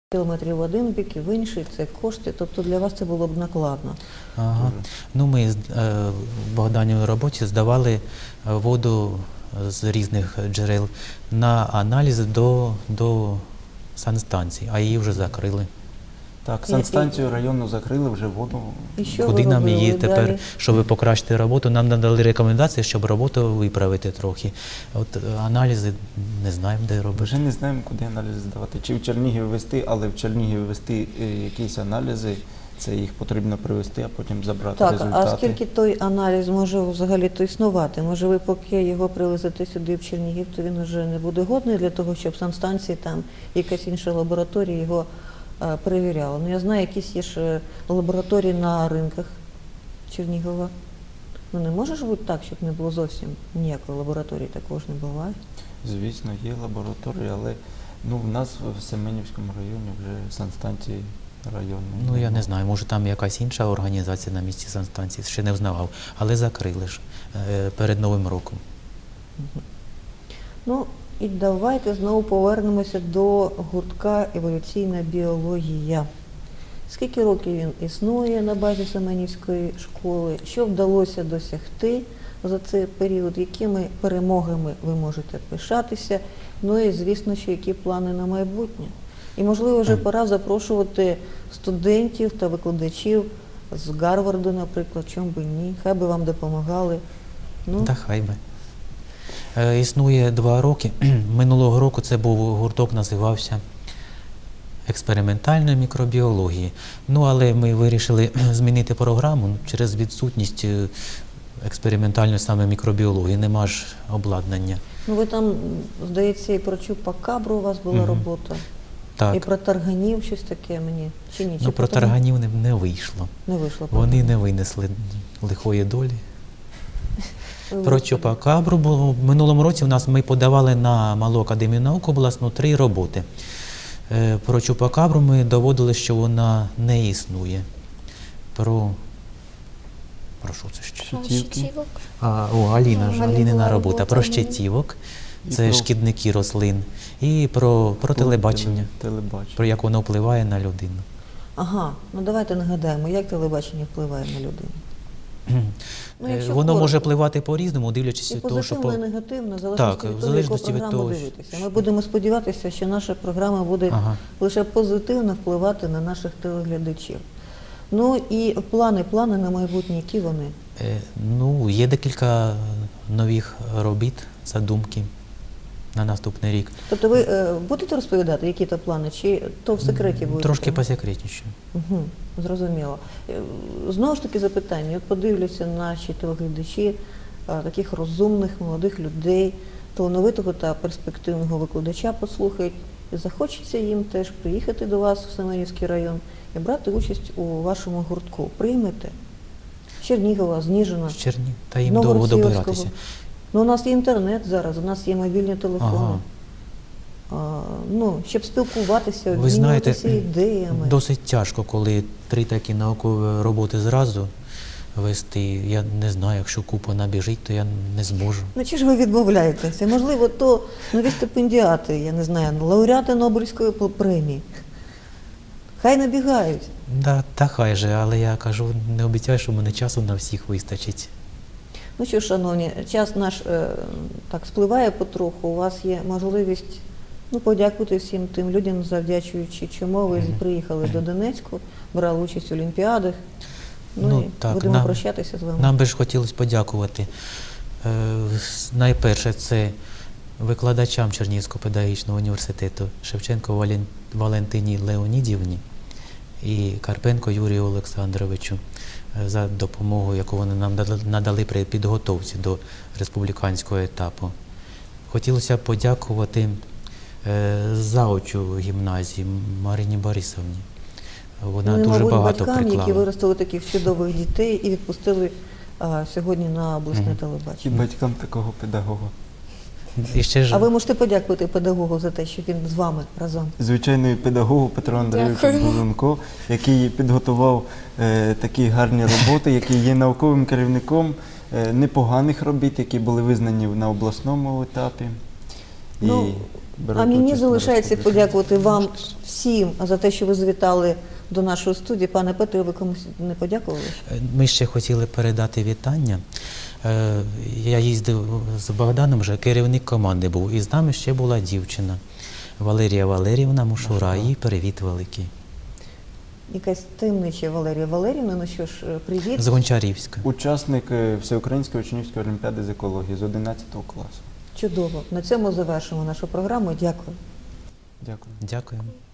кілометрів в один бік і в інший, це кошти, тобто для вас це було б накладно. Ага. Ну, ми в Богданівій роботі здавали воду з різних джерел на аналіз до санстанції, а її вже закрили. Так, санстанцію районну закрили, вже воду. І що Куди ви нам робили її далі? тепер, щоб покращити роботу, нам надали рекомендації, щоб роботу виправити трохи. От аналізи не знаємо, де робити. Вже не знаємо, куди аналізи здавати. Чи в Чернігів вести, але в Чернігів вести якісь аналізи, це їх потрібно привезти, а потім забрати Так, результати. а скільки той аналіз може взагалі-то існувати? Може ви поки його привезете сюди в Чернігів, то він вже не буде годний для того, щоб санстанції там якась інша лабораторія його перевіряла. Ну я знаю, якісь є ж лабораторії на ринках Чернігова. Ну не може ж бути так, щоб не було зовсім ніякої лабораторії, також не буває. Звісно, є лабораторії, але в нас в Семенівському районі вже санстанції районної. Ну, я не знаю, може там якась інша організація на місці санстанції, ще не взнавав, але закрили ж перед Новим роком. Ну, і давайте знову повернемося до гуртка «Еволюційна біологія». Скільки років він існує на базі Семенівської школи? Що вдалося досягти за цей період? Якими перемогами ви можете пишатися? Ну і, звісно, що які плани на майбутнє? І, можливо, вже пора запрошувати студентів та викладачів з Гарварду, наприклад, чому би ні? Хай би вам допомагали. Ну, Та хай би. Існує 2 роки. Минулого року це був гурток, називався експериментальної мікробіології. Ну, але ми вирішили змінити програму через відсутність експериментальної саме мікробіології. Нема ж обладнання. ну ви там, здається, і про чупакабру у вас була робота. Так. І про тарганів щось таке мені. Чи ні? Чи Ну, про тарганів не вийшло. не вийшло? Вони не винесли лихої долі. Про чупакабру було. В минулому році ми подавали на Малу академію наук обласну 3 роботи. Про чупакабру ми доводили, що вона не існує. Про що це ще? Щитівки. Алінина робота. Про щитівок, це шкідники рослин. І про телебачення, про як воно впливає на людину. Ага, ну давайте нагадаємо, як телебачення впливає на людину. Ну, якщо Воно коротко. може впливати по-різному, дивлячись І від того, що позитивно, і негативно, в Так, залежності від в того, яку залежності від програму того, дивитися. Ми будемо сподіватися, що наша програма буде лише позитивно впливати на наших телеглядачів. Ну і плани на майбутнє, які вони? Ну, є декілька нових робіт, задумки на наступний рік. Тобто ви будете розповідати, які то плани, чи то в секреті будете? Трошки посекретніше. Угу, зрозуміло. Знову ж таки запитання. От подивляться наші телеглядачі, таких розумних, молодих людей, талановитого та перспективного викладача послухають. І захочеться їм теж приїхати до вас в Семенівський район і брати участь у вашому гуртку. Приймете? З Чернігова, з Ніжина, Та їм довго добиратися. Ну, у нас є інтернет зараз, у нас є мобільні телефони. Щоб спілкуватися, Ви знаєте, обмінюватися ідеями. досить тяжко, коли 3 такі наукові роботи зразу вести. Я не знаю, якщо купа набіжить, то я не зможу. Ну, чи ж ви відмовляєтеся? Можливо, то нові стипендіати, я не знаю, лауреати Нобелівської премії. Хай набігають. Та хай же, але я кажу, не обіцяю, що в мене часу на всіх вистачить. Ну що, шановні, час наш так спливає потроху. У вас є можливість подякувати всім тим людям, завдячуючи чому ви приїхали до Донецьку, брали участь в олімпіадах. Будемо прощатися з вами. Нам би ж хотілося подякувати. Найперше, це викладачам Чернігівського педагогічного університету Шевченко Валентині Леонідівні і Карпенко Юрію Олександровичу за допомогу, яку вони нам надали при підготовці до республіканського етапу. Хотілося б подякувати завучу гімназії Марині Борисовні. Вона дуже багато батькам, приклала. які виростили таких чудових дітей і відпустили сьогодні на обласне телебачення. І батькам такого педагога. А ви можете подякувати педагогу за те, що він з вами разом? Звичайно, і педагогу Петру Андрійовичу Бузунко, який підготував такі гарні роботи, який є науковим керівником непоганих робіт, які були визнані на обласному етапі. Ну, беруть а мені участь на залишається республіці. подякувати вам всім за те, що ви завітали до нашої студії. Пане Петре, ви комусь не подякували? Ми ще хотіли передати вітання. Я їздив з Богданом, вже керівник команди був, і з нами ще була дівчина Валерія Валеріївна Мушура. Їй привіт великий. Якась таємнича Валерія Валеріївна, ну що ж, привіт. З Гончарівська. Учасник Всеукраїнської учнівської олімпіади з екології з 11 класу. Чудово. На цьому завершимо нашу програму. Дякую. Дякую. Дякуємо.